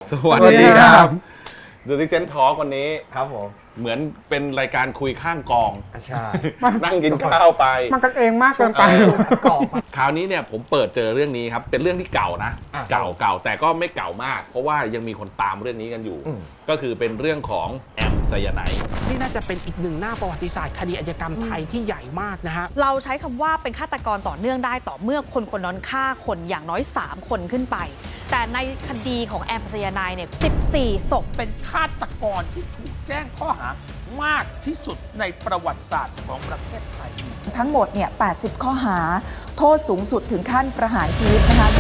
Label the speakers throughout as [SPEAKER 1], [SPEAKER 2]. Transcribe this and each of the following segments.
[SPEAKER 1] สวัสดีครับ The Six Sense Talk วันนี้
[SPEAKER 2] ครับผม
[SPEAKER 1] เหมือนเป็นรายการคุยข้างกอง
[SPEAKER 2] ใช่
[SPEAKER 1] นั่งกินข้าวไป
[SPEAKER 3] มันกันเองมากเกินไป
[SPEAKER 2] กรอบ
[SPEAKER 1] คราวนี้เนี่ยผมเปิดเจอเรื่องนี้ครับ เป็นเรื่องที่เก่านะ เก่าแต่ก็ไม่เก่ามาก เพราะว่ายังมีคนตามเรื่องนี้กันอยู่ ก็คือเป็นเรื่องของแอมไซยาไนด์
[SPEAKER 4] นี่น่าจะเป็นอีกหนึ่งหน้าประวัติศาสตร์คดีอาชญากรรมไทยที่ใหญ่มากนะฮะ
[SPEAKER 5] เราใช้คำว่าเป็นฆาตกรต่อเนื่องได้ต่อเมื่อคนคนนั้นฆ่าคนอย่างน้อย 3 คนขึ้นไป แต่ในคดีของแอมไซยาไนด์เนี่ย14 ศพ
[SPEAKER 4] เป็นฆาตกรที่ถูกแจ้งข้อหามากที่สุดในประวัติศาสตร์ของประเทศไทย
[SPEAKER 6] ทั้งหมดเนี่ย 80 ข้อหา โทษสูงสุดถึงขั้นประหารชีวิตนะคะ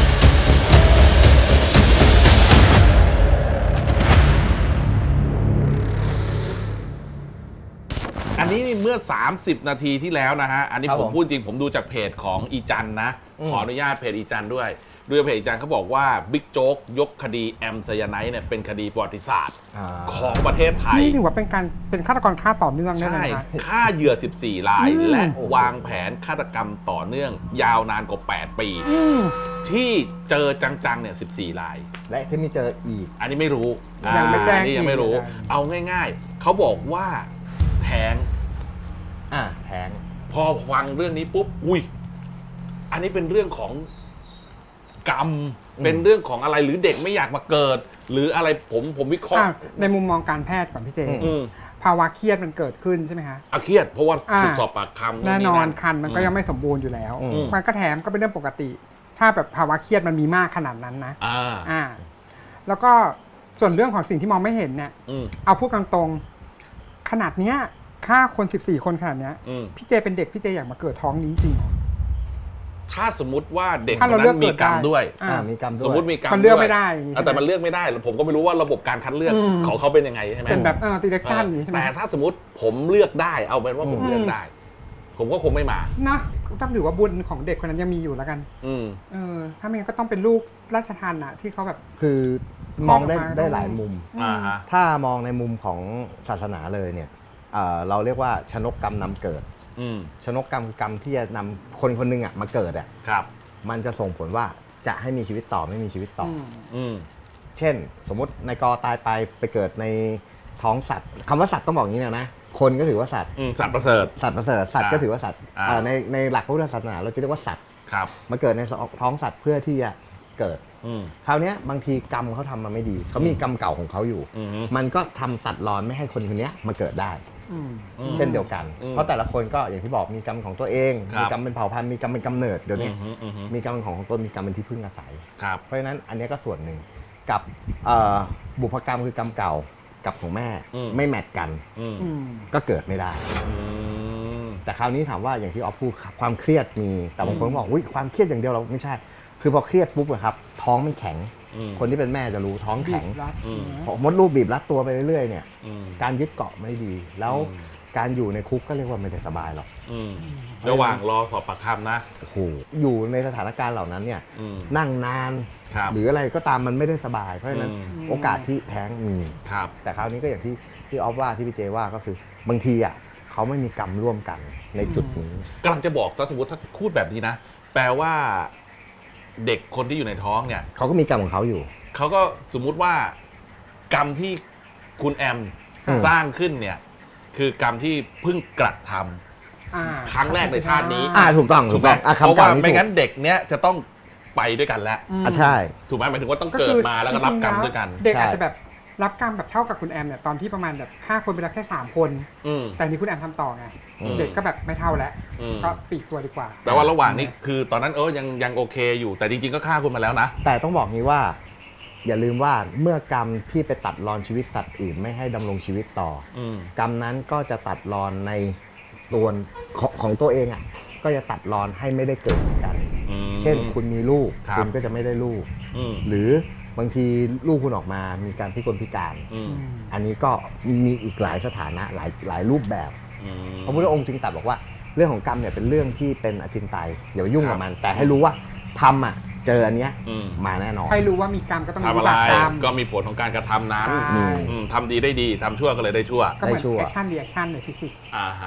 [SPEAKER 1] อันนี้นี่เมื่อ 30 นาทีที่แล้วนะฮะ อันนี้ผมพูดจริงผมดูจากเพจของอีจันนะ ขออนุญาตเพจอีจันด้วยเพจอีจันเขาบอกว่าบิ๊กโจ๊กยกคดีแอมไซยาไนด์เนี่ยเป็นคดีประวัติศาสตร์ของประเทศไทย
[SPEAKER 3] นี่ถือว่าเป็นฆาตกรฆ่าต่อเนื่องได้ไหม
[SPEAKER 1] ใช่
[SPEAKER 3] คะ
[SPEAKER 1] ฆ่าเหยื่อ 14 ราย และวางแผนฆาตกรรมต่อเนื่อง ยาวนานกว่า 8 ปี ที่เจอจังๆเนี่ย 14 ราย
[SPEAKER 2] และที่ไม่เจออีก
[SPEAKER 1] อันนี้ไม่รู้
[SPEAKER 3] ยังไม่แจ้ง
[SPEAKER 1] อันนี้ยังไม่รู้ เอาง่ายๆ เขาบอกว่าแท้ง
[SPEAKER 2] แทง
[SPEAKER 1] พอฟังเรื่องนี้ปุ๊บ อุ้ย อันนี้เป็นเรื่องของกรรม เป็นเรื่องของอะไร หรือเด็กไม่อยากมาเกิด หรืออะไรผมวิเคราะห์
[SPEAKER 3] ในมุมมองการแพทย์ก่อนพี่เจ
[SPEAKER 1] อืม
[SPEAKER 3] ภาวะเครียดมันเกิดขึ้นใช่ไหมคะ
[SPEAKER 1] เครียด เพราะว่าถูกสอบปากคำ
[SPEAKER 3] แน่นอนคันมันก็ยังไม่สมบูรณ์อยู่แล้ว มันก็แถมก็เป็นเรื่องปกติ ถ้าแบบภาวะเครียดมันมีมากขนาดนั้นนะแล้วก็ส่วนเรื่องของสิ่งที่มองไม่เห็นเนี่ยเอาพูดตรงๆขนาดเนี้ยฆ่าคน14 คนขนาดเนี้ยพี่เจเป็นเด็กพี่เจอยากมาเกิดท้องนี้จริงเหรอ
[SPEAKER 1] ถ้าสมมุติว่าเด็ก
[SPEAKER 3] ถ้า
[SPEAKER 1] คน
[SPEAKER 3] เราเลื
[SPEAKER 1] นั้
[SPEAKER 3] อก
[SPEAKER 1] นมีกรรมด้วย
[SPEAKER 2] มีกรรมด้วย
[SPEAKER 1] สมมติมีกรรม
[SPEAKER 3] มันเลือก
[SPEAKER 1] ด้วย
[SPEAKER 3] ไม่ได้อย่างงี้ใช่ไหม
[SPEAKER 1] แต่มันเลือกไม่ได้ผมก็ไม่รู้ว่าระบบการคัดเลือกของเขาเป็นยังไงใช่ไหม
[SPEAKER 3] เป็นแบบdirection อย่างนี้ใช่ไหม
[SPEAKER 1] แต่ถ้าสมมติผมเลือกได้เอาเป็นว่าผมเลือกได้ ผมก็คงไม่มา
[SPEAKER 3] นะต้องถือว่าบุญของเด็กคนนั้นยังมีอยู่แล้วกันถ้าไม่งั้นก็ต้องเป็นลูกราชทานนะที่เขาแบบ
[SPEAKER 2] คือมองได้หลายมุม
[SPEAKER 1] ฮะ
[SPEAKER 2] ถ้ามองในมุมของศาสนาเลยเนี่ยเราเรียกว่าชนกกรรมนำเกิด ชนกกรรมคือกรรมที่จะนำคนคนหนึงมาเกิด
[SPEAKER 1] ครับ
[SPEAKER 2] มันจะส่งผลว่าจะให้มีชีวิตต่อไม่มีชีวิตต่อ เช่น สมมตินายกตายไปเกิดในท้องสัตว์คำว่าสัตว์ต้องบอกอย่างนี้นะคนก็ถือว่าสัตว์
[SPEAKER 1] สัตว์ประเสริฐ
[SPEAKER 2] สัตว์ประเสริฐสัตว์ก็ถือว่าสัตว์ในหลักพระพุทธศาสนาเราจะเรียกว่าสัตว์
[SPEAKER 1] ครับ
[SPEAKER 2] มาเกิดในท้องสัตว์เพื่อที่จะเกิดคราวนี้บางทีกรรมเขาทำมาไม่ดีเขามีกรรมเก่าของเขาอยู่มันก็ทำตัดรอนไม่ให้คนคนนี้มาเกิดได้เช่นเดียวกันเพราะแต่ละคนก็อย่างที่บอกมีกรรมของตัวเองมีกรรมเป็นเผ่าพันธุ์มีกรรมเป็นกำเนิดเดี๋ยวนี้มีกรรมเป็นของตนมีกรรมเป็นที่พึ่งอาศัยเพราะฉะนั้นอันนี้ก็ส่วนหนึ่งกับบุพกรรมคือกรรมเก่ากับของแม่ไม่แมทกันก็เกิดไม่ได้แต่คราวนี้ถามว่าอย่างที่ออฟพูดความเครียดมีแต่บางคนบอกอุ้ยความเครียดอย่างเดียวเราไม่ใช่คือพอเครียดปุ๊บอะครับท้องมันแข็งคนที่เป็นแม่จะรู้ท้องแข็งมดลูกบีบรัดตัวไปเรื่อยๆเนี่ยการยึดเกาะไม่ดีแล้วการอยู่ในคุกก็เรียกว่าไม่ได้สบายหรอก
[SPEAKER 1] ระหว่างรอสอบปากคำนะ
[SPEAKER 2] โอ้โหอยู่ในสถานการณ์เหล่านั้นเนี่ยนั่งนานหรืออะไรก็ตามมันไม่ได้สบายเพราะฉะนั้นโอกาสที่แท้งมีแต่คราวนี้ก็อย่างที่ออฟว่าที่พี่เจว่าก็คือบางทีอ่ะเขาไม่มีกรรมร่วมกันในจุดนี้
[SPEAKER 1] กำลังจะบอกถ้าสมมติถ้าพูดแบบนี้นะแปลว่าเด็กคนที่อยู่ในท้องเนี่ย
[SPEAKER 2] เขาก็มีกรรมของเขาอยู่
[SPEAKER 1] เขาก็สมมุติว่ากรรมที่คุณแอมสร้างขึ้นเนี่ยคือกรรมที่เพิ่งกระทำครั้งแรกในชาตินี้
[SPEAKER 2] ถูกต้อง
[SPEAKER 1] เพราะว่าไม่งั้นเด็กเนี้ยจะต้องไปด้วยกันแล้ว
[SPEAKER 2] ใช่
[SPEAKER 1] ถูกไหมหมายถึงว่าต้องเกิดมาแล้วก็รับกรรมด้วยกัน
[SPEAKER 3] เด็กอาจจะแบบรับกรรมแบบเท่ากับคุณแอมเนี่ยตอนที่ประมาณแบบฆ่าคนไปแล้วแค่3 คนแต่นี่คุณแอมทำต่อไงเด็กก็แบบไม่เท่าแล้วก็ปีกตัวดีกว่า
[SPEAKER 1] แปลว่าระหว่างนี้คือตอนนั้นยังโอเคอยู่แต่จริงๆก็ฆ่าคุณมาแล้วนะ
[SPEAKER 2] แต่ต้องบอกนี้ว่าอย่าลืมว่าเมื่อกรรมที่ไปตัดรอนชีวิตสัตว์อื่นไม่ให้ดำรงชีวิตต่อกรรมนั้นก็จะตัดรอนในตัวของตัวเองก็จะตัดรอนให้ไม่ได้เกิดเหมือนกันเช่นคุณมีลูกคุณก็จะไม่ได้ลูกหรือบางทีลูกคุณออกมามีการพิกลพิการอันนี้ก็มีอีกหลายสถานะหลายรูปแบบพระพุทธองค์จึงตรัสบอกว่าเรื่องของกรรมเนี่ยเป็นเรื่องที่เป็นอจินไตยอย่าไปยุ่งกับมันแต่ให้รู้ว่าทำเจออันเนี้ยมาแน่นอน
[SPEAKER 3] ให้รู้ว่ามีกรรมก็ต้องมี
[SPEAKER 1] วิบากกรรมก็มีผลของการกระทำนั้นทำดีได้ดีทำชั่วก็เลยได้ชั่ว
[SPEAKER 3] ก็เหมือนแอคชั่นรีแอคชั่นในฟิสิกส์
[SPEAKER 1] ฮะ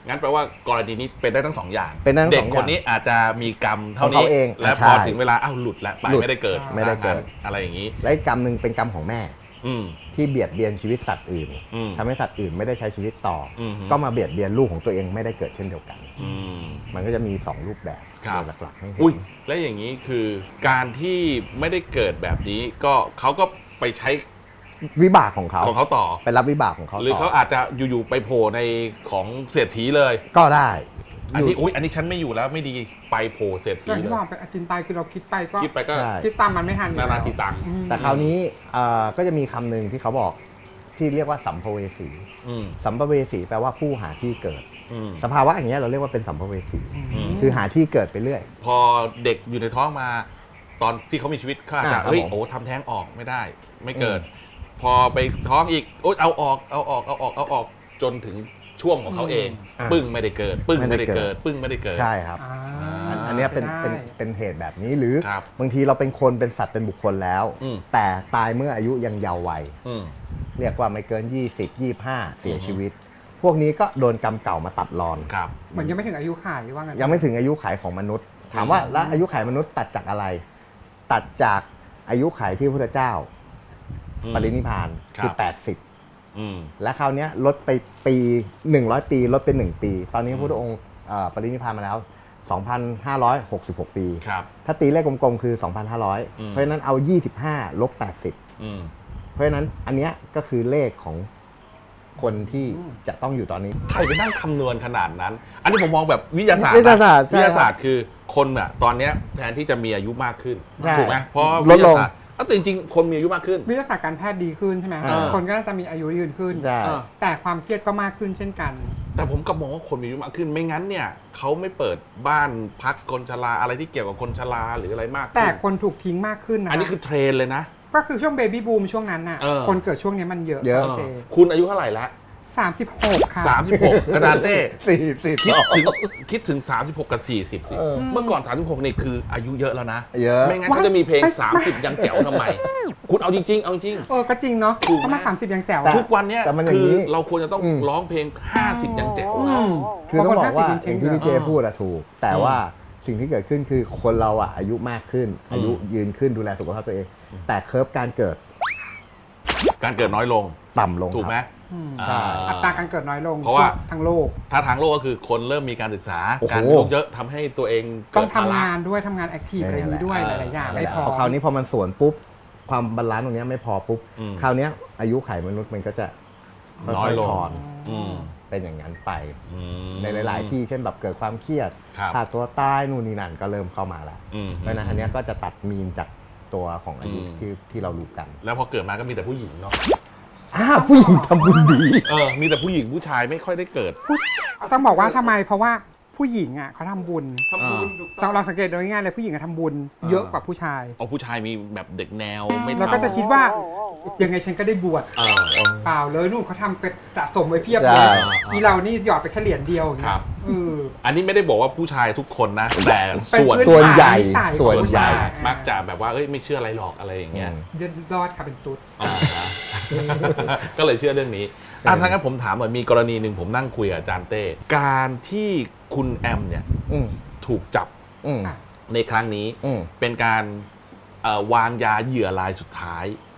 [SPEAKER 1] งั้นแปลว่ากรณีนี้เป็นได้ทั้งสองอย่าง
[SPEAKER 2] เป็นได้ทั้ง
[SPEAKER 1] เด็
[SPEAKER 2] ส
[SPEAKER 1] ก
[SPEAKER 2] อง
[SPEAKER 1] ค
[SPEAKER 2] อย่าง
[SPEAKER 1] นนี้อาจจะมีกรรมเท่า
[SPEAKER 2] ของ
[SPEAKER 1] นี้
[SPEAKER 2] เขาเอง
[SPEAKER 1] และ
[SPEAKER 2] ใช่
[SPEAKER 1] พอถึงเวลาหลุดแล้วไป
[SPEAKER 2] หลุด
[SPEAKER 1] ไม่ได้เกิด
[SPEAKER 2] ไม่ได้เกิด
[SPEAKER 1] อะไรอย่างนี้
[SPEAKER 2] และอีกกรรมหนึ่งเป็นกรรมของแม่
[SPEAKER 1] อืม
[SPEAKER 2] ที่เบียดเบียนชีวิตสัตว์อื่น
[SPEAKER 1] อืม
[SPEAKER 2] ทำให้สัตว์อื่นไม่ได้ใช้ชีวิตต่ออ
[SPEAKER 1] ม
[SPEAKER 2] ก็มาเบียดเบียนลูกของตัวเองไม่ได้เกิดเช่นเดียวกัน
[SPEAKER 1] อืม
[SPEAKER 2] มันก็จะมี2รูปแบบ
[SPEAKER 1] ครับ
[SPEAKER 2] โดยหลักๆให้เห็น
[SPEAKER 1] อุ้ยและอย่างนี้คือการที่ไม่ได้เกิดแบบนี้ก็เขาก็ไปใช้
[SPEAKER 2] วิบากของเขา
[SPEAKER 1] ของเขาต่อ
[SPEAKER 2] ไปรับวิบากของเขา
[SPEAKER 1] หรือ
[SPEAKER 2] ต่
[SPEAKER 1] เขาอาจจะอยู่ๆไปโผล่ในของเศรษฐีเลย
[SPEAKER 2] ก็ได้
[SPEAKER 1] อันนี้
[SPEAKER 2] ยู่
[SPEAKER 1] อุ้ยอันนี้ฉันไม่อยู่แล้วไม่ดีไปโผล่เศรษฐี
[SPEAKER 3] อย่าง
[SPEAKER 1] เล
[SPEAKER 3] ที่
[SPEAKER 1] ย
[SPEAKER 3] บอกไปอาจินตายคือเราคิดไปก็
[SPEAKER 1] คิดไปก็
[SPEAKER 2] ใช่
[SPEAKER 3] คิดตามมันไม่ทันอยู่
[SPEAKER 1] นานา
[SPEAKER 3] แล้ว
[SPEAKER 1] ทีตังค์
[SPEAKER 3] อืม
[SPEAKER 2] แต่คราวนี้ก็จะมีคำหนึ่งที่เขาบอกที่เรียกว่าสัมภเวสี
[SPEAKER 1] อืม
[SPEAKER 2] สัมภเวสีแปลว่าผู้หาที่เกิด
[SPEAKER 1] อืม
[SPEAKER 2] สภาวะอย่างเงี้ยเราเรียกว่าเป็นสัมภเวสี
[SPEAKER 1] อืม
[SPEAKER 2] คือหาที่เกิดไปเรื่อย
[SPEAKER 1] พอเด็กอยู่ในท้องมา ตอนที่เขามีชีวิตเขาอาจจะ
[SPEAKER 2] ครับ
[SPEAKER 1] เฮ้ย
[SPEAKER 2] ผม
[SPEAKER 1] โอ้ทำแท้งออกไม่ได้ ไม่เกิด พอไปท้องอีกโอ๊ยเอาออกจนถึงช่วงของเขาเอง
[SPEAKER 2] อ่า
[SPEAKER 1] ปึ้งไม่ได้เกิด ปึ้งไม่ได้เกิด ปึ้งไม่ได้เกิด
[SPEAKER 2] ใช่ครับ
[SPEAKER 3] อ่า
[SPEAKER 2] อันเนี้ยเป็น
[SPEAKER 3] ได้
[SPEAKER 2] เป็นเหตุแบบนี้หรือ
[SPEAKER 1] ครับ
[SPEAKER 2] บางทีเราเป็นคนเป็นสัตว์เป็นบุคคลแล้ว
[SPEAKER 1] อืม
[SPEAKER 2] แต่ตายเมื่ออายุยังเยาว์วัย
[SPEAKER 1] อืม
[SPEAKER 2] เรียกว่าไม่เกิน 20 25 เสียชีวิต พวกนี้ก็โดนกรรมเก่ามาตัดรอน
[SPEAKER 1] ครับ
[SPEAKER 3] เหมือนยังไม่ถึงอายุข่ายว่างั้น
[SPEAKER 2] ยังไม่ถึงอายุขัยของมนุษย์ ถามว่าแล้วอายุขัยมนุษย์ตัดจากอะไร ตัดจากอายุขัยที่พระพุทธเจ้า
[SPEAKER 1] อืม
[SPEAKER 2] ปรินิพพานคือ
[SPEAKER 1] ครับ
[SPEAKER 2] 80
[SPEAKER 1] อืม
[SPEAKER 2] และคราวเนี้ยลดไปปี100 ปีลดเป็น1ปี ตอนนี้พระพุทธองค์ปรินิพพานมาแล้ว 2,566 ปี
[SPEAKER 1] ครับ
[SPEAKER 2] ถ้าตีเลขกลมๆคือ
[SPEAKER 1] อืม
[SPEAKER 2] 2,500 เพราะฉะนั้นเอา 25 ลบ 80
[SPEAKER 1] อืม
[SPEAKER 2] เพราะฉะนั้นอันเนี้ยก็คือเลขของคนที่จะต้องอยู่ตอนนี้
[SPEAKER 1] ใครไปนั่งคำนวณขนาดนั้น อันนี้ผมมองแบบวิทยาศาสตร์
[SPEAKER 2] วิทยาศาสตร์
[SPEAKER 1] นะ
[SPEAKER 2] ใช่
[SPEAKER 1] วิทยาศาสตร์คือคนอะตอนเนี้ยแทนที่จะมีอายุมากขึ้น
[SPEAKER 2] ใช่
[SPEAKER 1] ถูกไหมเพราะ
[SPEAKER 2] ลดลง
[SPEAKER 1] วิทยาศาสตร์แต่จริงๆ คนมีอายุมากขึ้น
[SPEAKER 3] วิทยาศาสตร์การแพทย์ดีขึ้นใช่ไหม
[SPEAKER 2] อ่า
[SPEAKER 3] คนก็น่าจะมีอายุยืนขึ้น
[SPEAKER 2] ใช่
[SPEAKER 3] แต่ความเครียดก็มากขึ้นเช่นกัน
[SPEAKER 1] แต่ผมก็มองว่าคนมีอายุมากขึ้นไม่งั้นเนี่ยเขาไม่เปิดบ้านพักคนชราอะไรที่เกี่ยวกับคนชราหรืออะไรมากขึ้น
[SPEAKER 3] แต่คนถูกทิ้งมากขึ้นนะ
[SPEAKER 1] อันนี้คือเทรนเลยนะ
[SPEAKER 3] ก็คือช่วงเบบี้บูมช่วงนั้นน่ะ
[SPEAKER 1] เออ
[SPEAKER 3] คนเกิดช่วงนี้มันเยอะ
[SPEAKER 2] เยอะ
[SPEAKER 3] เจ
[SPEAKER 1] คุณอายุเท่าไหร่ละ
[SPEAKER 3] 36 ค่ะ
[SPEAKER 1] 36 กระดานเต้
[SPEAKER 2] 40
[SPEAKER 1] คิดถึง 36 กับ 40 สิ
[SPEAKER 2] เออ
[SPEAKER 1] เมื่อก่อน 36นี่คืออายุเยอะแล้วนะ
[SPEAKER 2] เยอะ
[SPEAKER 1] ไม่งั้นเขาจะมีเพลง 30 ยังแจ๋วทำไม คุณเอาจริงๆ เอาจริง
[SPEAKER 3] ก็จริงเนาะ
[SPEAKER 1] ถูกไหม
[SPEAKER 3] เพราะมา30 ยังแจ๋ว
[SPEAKER 2] แต่
[SPEAKER 3] อะ
[SPEAKER 1] ทุกวันเนี้ย
[SPEAKER 2] แต่มันอย่า
[SPEAKER 1] คื
[SPEAKER 2] ง
[SPEAKER 1] อ
[SPEAKER 2] นี้
[SPEAKER 1] เราควรจะต้อง
[SPEAKER 2] อืม
[SPEAKER 1] ร้องเพลง 50 ยังแจ๋ว
[SPEAKER 3] อืม
[SPEAKER 2] คือต้องบอกว่า
[SPEAKER 3] บางคน50
[SPEAKER 2] อย่างที่พี่เจพูดอะถูก แต่ว่าสิ่งที่เกิดขึ้นคือคนเราอะอายุมากขึ้น อายุยืนขึ้นดูแลสุขภาพตัวเอง แต่เคิร์ฟการเกิด
[SPEAKER 1] การเกิดน้อยลง
[SPEAKER 2] ต่ำลง
[SPEAKER 1] ถูกไหม
[SPEAKER 2] ครับ
[SPEAKER 3] อืม
[SPEAKER 2] ใช่
[SPEAKER 3] อัตราการเกิดน้อยลง
[SPEAKER 1] เพราะว่า
[SPEAKER 3] ทั้งโลก
[SPEAKER 1] ถ้าทางโลกก็คือคนเริ่มมีการศึกษา
[SPEAKER 2] โอ้โห
[SPEAKER 1] การมีลูกเยอะทำให้ตัวเอง
[SPEAKER 3] ต้
[SPEAKER 1] เกิ
[SPEAKER 3] อง
[SPEAKER 1] ด
[SPEAKER 3] ทำ
[SPEAKER 1] ภาระ
[SPEAKER 3] งานด้วยทำงานแอคทีฟอะไรอย่างนี้ด้วยหลายๆอย่างไม่พอ
[SPEAKER 2] คราวนี้พอมันสวนปุ๊บ ความบาลานซ์ตรงเนี้ยไม่พอปุ๊บ
[SPEAKER 1] อืม
[SPEAKER 2] คราวเนี้ยอายุไขมนุษย์มันก็จะ
[SPEAKER 1] น้อยลง
[SPEAKER 2] ค่ๆถอน
[SPEAKER 1] อืม
[SPEAKER 2] เป็นอย่างนั้นไป
[SPEAKER 1] อืม
[SPEAKER 2] ในหลาย ๆ ที่เช่นแบบเกิดความเครียด
[SPEAKER 1] ครับ
[SPEAKER 2] ฆ่าตัวตายนู่นนี่นั่นก็เริ่มเข้ามาแล้ว
[SPEAKER 1] อืม
[SPEAKER 2] เพราะฉะนั้นอันเนี้ยก็จะตัดมีนจากตัวของอายุ
[SPEAKER 1] อืม
[SPEAKER 2] ที่เรารู้กัน
[SPEAKER 1] แล้วพอเกิดมาก็มีแต่ผู้หญิงเนาะ
[SPEAKER 2] ผู้หญิงทำบุญดี
[SPEAKER 1] มีแต่ผู้หญิงผู้ชายไม่ค่อยได้เกิด
[SPEAKER 3] ต้องบอกว่าทำไมเพราะว่าผู้หญิงอ่ะเขาทำบุญ
[SPEAKER 1] ทำบุญ
[SPEAKER 3] เราสังเกตโดยง่ายๆเลยผู้หญิงอะทำบุญเยอะกว่าผู้ชาย
[SPEAKER 1] เอาผู้ชายมีแบบเด็กแนวไม่
[SPEAKER 3] เราก็จะคิดว่ายังไงฉันก็ได้บวช
[SPEAKER 1] เออ
[SPEAKER 3] เปล่าเลยนู่นเขาทำไปสะสมไว้เพียบ
[SPEAKER 2] ใช่
[SPEAKER 3] เลยมีเรานี่หยอดไปแค่เหรียญเดียวอย่าง
[SPEAKER 1] ค
[SPEAKER 3] เงี้
[SPEAKER 1] รั
[SPEAKER 3] ย
[SPEAKER 1] บ
[SPEAKER 3] เออ
[SPEAKER 1] อันนี้ไม่ได้บอกว่าผู้ชายทุกคนนะ แต่
[SPEAKER 3] เป็น
[SPEAKER 1] ส่วน
[SPEAKER 3] พื้น
[SPEAKER 2] ส่วนใหญ่
[SPEAKER 3] ฐานนิสัย
[SPEAKER 2] ส่วน
[SPEAKER 3] ของผู้
[SPEAKER 2] ใหญ่
[SPEAKER 3] ชาย
[SPEAKER 1] มักจะแบบว่าเอ้ยไม่เชื่ออะไรหรอกอะไรอย่างเงี้ย
[SPEAKER 3] เดือดรอดค่ะเป็นตุ๊ด
[SPEAKER 1] อ่าฮะ ก็เลยเชื่อเรื่องนี้ถ้างั้นผมถามหน่อยมีกรณีหนึ่งผมนั่งคุยกับอาจารย์เต้การที่คุณแอมเนี่ย
[SPEAKER 2] อืม
[SPEAKER 1] ถูกจับ
[SPEAKER 2] อืม
[SPEAKER 1] ในครั้งนี้
[SPEAKER 2] อืม
[SPEAKER 1] เป็นการวางยาเหยื่อรายสุดท้าย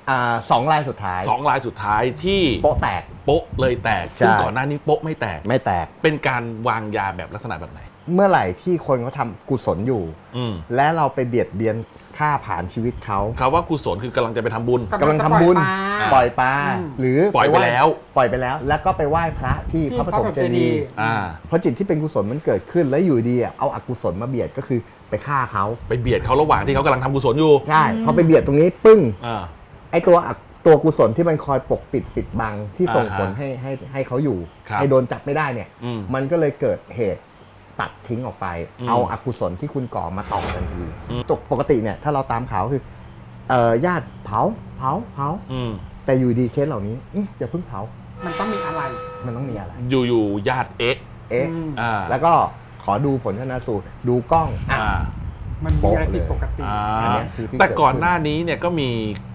[SPEAKER 2] 2 รายสุดท้าย
[SPEAKER 1] 2 รายสุดท้ายที่
[SPEAKER 2] โป๊ะแตก
[SPEAKER 1] โป๊ะเลยแตก
[SPEAKER 2] ใช่
[SPEAKER 1] ซึ่งก่อนหน้านี้โป๊ะไม่แตก
[SPEAKER 2] ไม่แตก
[SPEAKER 1] เป็นการวางยาแบบลักษณะแบบไหน
[SPEAKER 2] เมื่อไหร่ที่คนเขาทำกุศลอยู่
[SPEAKER 1] อืม
[SPEAKER 2] และเราไปเบียดเบียนฆ่าผ่านชีวิตเขา
[SPEAKER 1] คำว่ากุศลคือกำลังจะไปทำบุญ
[SPEAKER 2] กำลังทำบุญ ปล่อยปลา
[SPEAKER 3] อืม
[SPEAKER 2] หรือ
[SPEAKER 1] ปล่อยไป
[SPEAKER 2] ห
[SPEAKER 1] แล้ว
[SPEAKER 2] ปล่อยไปแล้ว แล้วก็ไปไหว้พระที่
[SPEAKER 3] ที่
[SPEAKER 2] พระปฐมเจดีย์
[SPEAKER 1] อ่า
[SPEAKER 2] เพราะจิตที่เป็นกุศลมันเกิดขึ้นแล้วอยู่ดีเอาอกุศลมาเบียดก็คือไปฆ่าเขา
[SPEAKER 1] ไปเบียดเขาระหว่างที่เขากำลังทำกุศลอยู่
[SPEAKER 2] ใช่พอไปเบียดตรงนี้ปึ้ง
[SPEAKER 1] อ่า
[SPEAKER 2] ไอตัวกุศลที่มันคอยปกปิดบังที่ส่งผล
[SPEAKER 1] อ่าฮะ
[SPEAKER 2] ให้เขาอยู่
[SPEAKER 1] ครับ
[SPEAKER 2] ให้โดนจับไม่ได้เนี่ย
[SPEAKER 1] อืม
[SPEAKER 2] มันก็เลยเกิดเหตุตัดทิ้งออกไป
[SPEAKER 1] อืม
[SPEAKER 2] เอาอกุศลที่คุณก่อมาต่อทันที
[SPEAKER 1] อืม
[SPEAKER 2] ปกติเนี่ยถ้าเราตามข่าวคือญาติเผา
[SPEAKER 1] อืม
[SPEAKER 2] แต่อยู่ดีเคสเหล่านี้อย่าเพิ่งเผา
[SPEAKER 3] มันต้องมีอะไร
[SPEAKER 2] มันต้องมีอะไร
[SPEAKER 1] อยู่ๆญาติเอ๊ะ
[SPEAKER 2] เอ๊ะ
[SPEAKER 3] อืม
[SPEAKER 1] อ่า
[SPEAKER 2] แล้วก็ขอดูผลชนะสูตรดูกล้อง
[SPEAKER 1] อ่า
[SPEAKER 3] มันมีอะไรผิดปกติ
[SPEAKER 1] อ่า
[SPEAKER 2] อันเนี้ยคือที่
[SPEAKER 1] แต่
[SPEAKER 2] เกิดขึ้น
[SPEAKER 1] ก่อนหน้านี้เนี่ยก็มี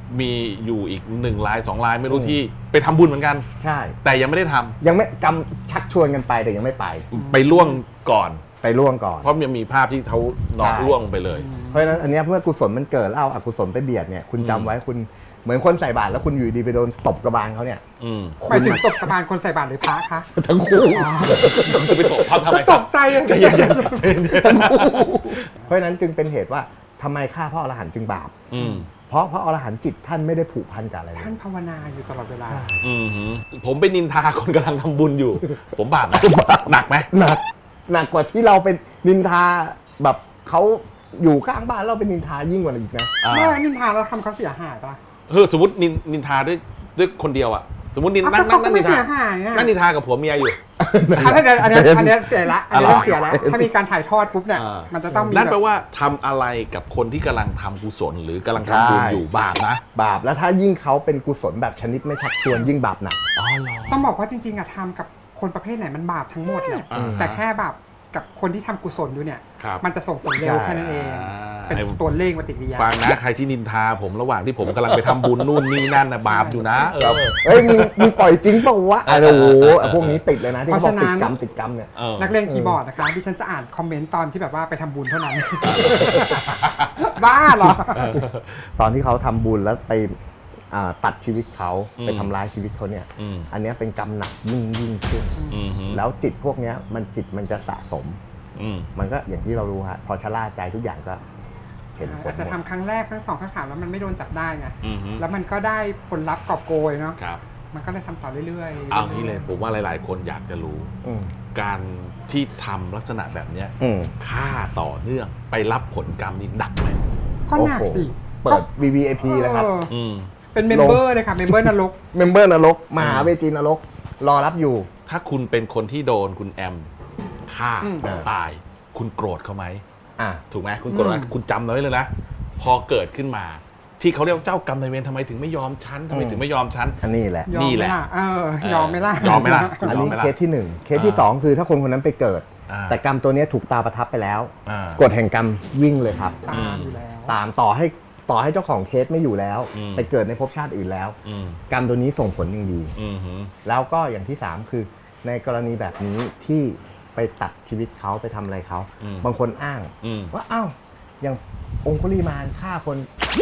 [SPEAKER 1] มีอยู่อีก1 ราย 2 รายไม่รู้ที่ไปทำบุญเหมือนกัน
[SPEAKER 2] ใช่
[SPEAKER 1] แต่ยังไม่ได้ทำ
[SPEAKER 2] ยังไม่ชักชวนกันไปแต่ยังไม่ไป
[SPEAKER 1] ไปล่วงก่อน
[SPEAKER 2] ไปล่วงก่อน
[SPEAKER 1] เพราะมันมีภาพที่เขานอนล่วงไปเลย
[SPEAKER 2] เพราะฉะนั้นอันเนี้ยเมื่อกุศลมันเกิดแล้วเอาอกุศลไปเบียดเนี่ยคุณจำไว้คุณเหมือนคนใส่บาตรแล้วคุณอยู่ดีไปโดนตบกระบาลเขาเนี่ย
[SPEAKER 3] หมายถึงตบกระบาลคนใส่บาตรหรือพระคะ
[SPEAKER 2] ทั้งคู่
[SPEAKER 1] จะไปตบภาพทำไมค
[SPEAKER 3] ต
[SPEAKER 1] รับ
[SPEAKER 3] กใจเลย
[SPEAKER 1] ใจเย็น
[SPEAKER 2] ทั้งคู่เพราะฉะนั้นจึงเป็นเหตุว่าทำไมฆ่าพระอรหันต์จึงบาป เพราะพระอรหันต์จิตท่านไม่ได้ผูกพันกับอะไรเลย
[SPEAKER 3] ท่านภาวนาอยู่ตลอดเวลา
[SPEAKER 1] ผมไปนินทาคนกำลังทำบุญอยู่ ผมบาปไหมหนักไหม
[SPEAKER 2] หนักกว่าที่เราเป็นนินทาแบบเขาอยู่ข้างบ้านเราเป็นนินทายิ่งกว่าอีกนะ
[SPEAKER 3] เมื่อนินทาเราทำเขาเสียหายปะ
[SPEAKER 1] สมมตินินทาด้วยคนเดียวอะสมมตินั่ง
[SPEAKER 3] เขาก็ไม่
[SPEAKER 1] นิน
[SPEAKER 3] เสี
[SPEAKER 1] ทาย
[SPEAKER 3] หายอ่ะ
[SPEAKER 1] นั่งนินทากับผัวเมียอยู่
[SPEAKER 3] อันนี้เสียละอันนี้ต้องเสียแล้วถ้ามีการถ่ายทอดปุ๊บเนี่ยมันจะต้องมี
[SPEAKER 1] นั่นแปลว่าทำอะไรกับคนที่กำลังทำกุศลหรือกำลังทำบุญอยู่บาปนะ
[SPEAKER 2] บาปแล้วถ้ายิ่งเขาเป็นกุศลแบบชนิดไม่ชักชวนยิ่งบาปหนัก
[SPEAKER 3] ต้องบอกว่าจริงๆอะทำกับคนประเภทไหนมันบาปทั้งหมดแหละแต่แค่บาปกับคนที่ทำกุศลอยู่เนี่ย
[SPEAKER 1] ครับ
[SPEAKER 3] มันจะส่งผลเร็วแค่นั้นเอง เป็นตัวเลขปฏิกิริยา
[SPEAKER 1] ฟังนะใครที่นินทาผมระหว่างที่ผมกำลังไปทำบุญนู่นนี่นั่นนะบาปอยู่นะ
[SPEAKER 2] เอ้ยมึงปล่อยจริงเปล่าวะโอ้โหพวกนี้ติดเลยนะที่เขาบอกติดกรรมเนี่ย
[SPEAKER 3] นักเล่นคีย์บอร์ดนะคะดิฉันจะอ่านคอมเมนต์ตอนที่แบบว่าไปทำบุญเท่านั้น บ้าเหรอ
[SPEAKER 2] ตอนที่เขาทำบุญแล้วไปตัดชีวิตเขาไปทำร้ายชีวิตเขาเนี่ย อันเนี้ยเป็นกรรมหนักยิ่งขึ้นแล้วจิตพวกเนี้ยมันจะสะสมมันก็อย่างที่เรารู้ฮะพอชะล่าใจทุกอย่างก็เห็นผล
[SPEAKER 3] อาจจะทำครั้งแรกครั้ง2ครั้ง3แล้วมันไม่โดนจับได้ไงแล้วมันก็ได้ผลลัพธ์กอบโกยเนาะมันก็เลยทำต่อเรื่อยๆ
[SPEAKER 1] เอางี้เลยผมว่าหลายๆคนอยากจะรู้การที่ทำลักษณะแบบเนี้ยฆ่าต่อเนื่องไปรับผลกรรมนี่หนักไหม
[SPEAKER 3] ก็หนักสิ
[SPEAKER 2] เปิด VVIP เลยครับ
[SPEAKER 3] เป็นเมมเบอร์เลยค่ะเมมเบอร์นรก
[SPEAKER 2] เมมเบอร์นรกมหาเวจีนรกรอรับอยู่
[SPEAKER 1] ถ้าคุณเป็นคนที่โดนคุณแอมฆ่าตาย คุณโกรธเขาไหมถูกไหมคุณโกรธไหมคุณจำเอาไว้เลยนะพอเกิดขึ้นมา ที่เขาเรียกว่าเจ้ากรรมนายเวรทำไมถึงไม่ยอมฉันทำไมถึงไม่ยอมฉัน
[SPEAKER 2] อันนี้แหละ
[SPEAKER 1] นี่แหละ
[SPEAKER 3] ยอมไหมล่ะ
[SPEAKER 1] ยอมไหมล่ะ
[SPEAKER 2] อันนี้เคสที่1เคสที่2คือถ้าคนคนนั้นไปเกิดแต่กรรมตัวนี้ถูกตาประทับไปแล้วกฎแห่งกรรมวิ่งเลยครับ
[SPEAKER 3] ตามอยู่แล้ว
[SPEAKER 2] ตามต่อให้เจ้าของเคสไม่อยู่แล้วไปเกิดในภพชาติอื่นแล้วกรรมตัวนี้ส่งผลอย่างดีแล้วก็อย่างที่3คือในกรณีแบบนี้ที่ไปตัดชีวิตเขาไปทำอะไรเขาบางคนอ้างว่าอ้าวอย่างองคุลิมานฆ่าคน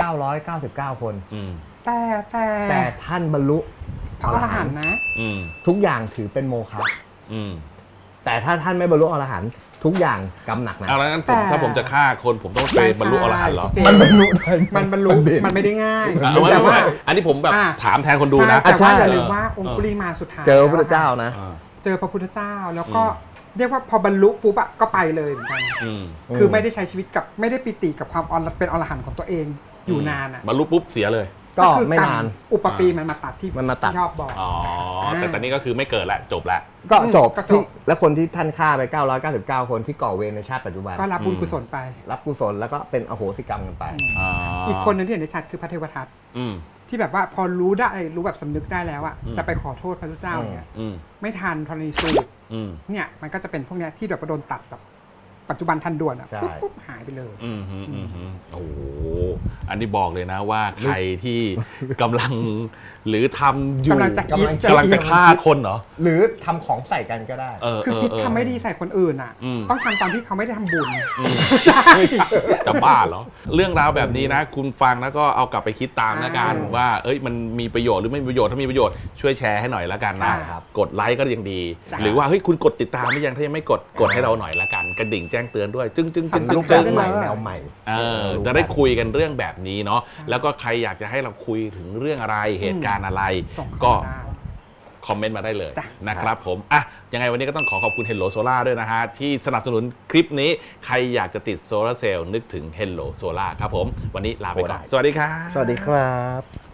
[SPEAKER 2] 999คนแต่ท่านบรรลุ
[SPEAKER 3] พระอรหันต์นะ
[SPEAKER 2] ทุกอย่างถือเป็นโมฆะแต่ถ้าท่านไม่บรรลุอรหันต์ทุกอย่างกรรมหนักนะ
[SPEAKER 1] แล้วงั้นถ้าผมจะฆ่าคนผมต้องไปบรรลุอรหันต์เหรอ
[SPEAKER 2] มันบรรลุ
[SPEAKER 3] มันไม่ได้ง่าย
[SPEAKER 1] แต่ว่าอันนี้ผมแบบถามแทนคนดูนะ
[SPEAKER 3] แต่ว่าอย่าลืมว่าองคุลิมานสุดท้าย
[SPEAKER 2] เจอพระพุทธเจ้านะ
[SPEAKER 3] เจอพระพุทธเจ้าแล้วก็เรียกว่าพอบรรลุปุ๊บก็ไปเลยเหมือนกันคือไม่ได้ใช้ชีวิตกับไม่ได้ปิติกับความเป็นอรหันต์ของตัวเองอยู่นานอ่ะ
[SPEAKER 1] บรรลุปุ๊บเสียเลย
[SPEAKER 2] ก็ไม่นาน
[SPEAKER 3] อุปปีมันมาตัดที่ชอบบอก
[SPEAKER 1] แต่ตอนนี้ก็คือไม่เกิดแล้วจบแล้ว
[SPEAKER 2] ก็จบที่แล้วคนที่ท่านฆ่าไป999คนที่ก่อเวรในชาติปัจจุบัน
[SPEAKER 3] ก็รับบุญกุศลไป
[SPEAKER 2] รับกุศลแล้วก็เป็นอโหสิกรรมกันไป
[SPEAKER 3] อีกคนนึงที่เห็นได้ชัดคือพระเทวทัตที่แบบว่าพอรู้แบบสำนึกได้แล้วอะจะไปขอโทษพระพุทธเจ้าเนี่ยไม่ทันธรณีสูตรเนี่ยมันก็จะเป็นพวกเนี้ยที่แบบโดนตัดแบบปัจจุบันทันด่วนอ่ะปุ๊บหายไปเลย
[SPEAKER 1] โอ้โหอันนี้บอกเลยนะว่าใครที่กำลังหรือทำอยู่กำลังจะฆ่าคนเหรอ
[SPEAKER 2] หรือทำของใส่กันก็ได้
[SPEAKER 3] คือคิดทำไม่ดีใส่คนอื่นอ่ะต้องทำตอนที่เขาไม่ได้ทำบุญ
[SPEAKER 1] จะบ้าเหรอเรื่องราวแบบนี้นะคุณฟังแล้วก็เอากลับไปคิดตามนะกันว่ามันมีประโยชน์หรือไม่มีประโยชน์ถ้ามีประโยชน์ช่วยแชร์ให้หน่อยละกันนะกดไลค์ก็ยังดีหรือว่าเฮ้ยคุณกดติดตามหรือยังถ้ายังไม่กดให้เราหน่อยละกันกระดิ่งแจ้งเตือนด้วยจึ้ง
[SPEAKER 2] แนวใหม่
[SPEAKER 1] จะได้คุยกันเรื่องแบบนี้เนาะแล้วก็ใครอยากจะให้เราคุยถึงเรื่องอะไรเหตุการณ์อะไรก็คอมเมนต์มาได้เลยนะครับผมยังไงวันนี้ก็ต้องขอบคุณ Hello Solar ด้วยนะฮะที่สนับสนุนคลิปนี้ใครอยากจะติดโซลาร์เซลล์นึกถึง Hello Solar ครับผมวันนี้ลาไปก่อนสวัสดีครับ
[SPEAKER 2] สวัสดีครับ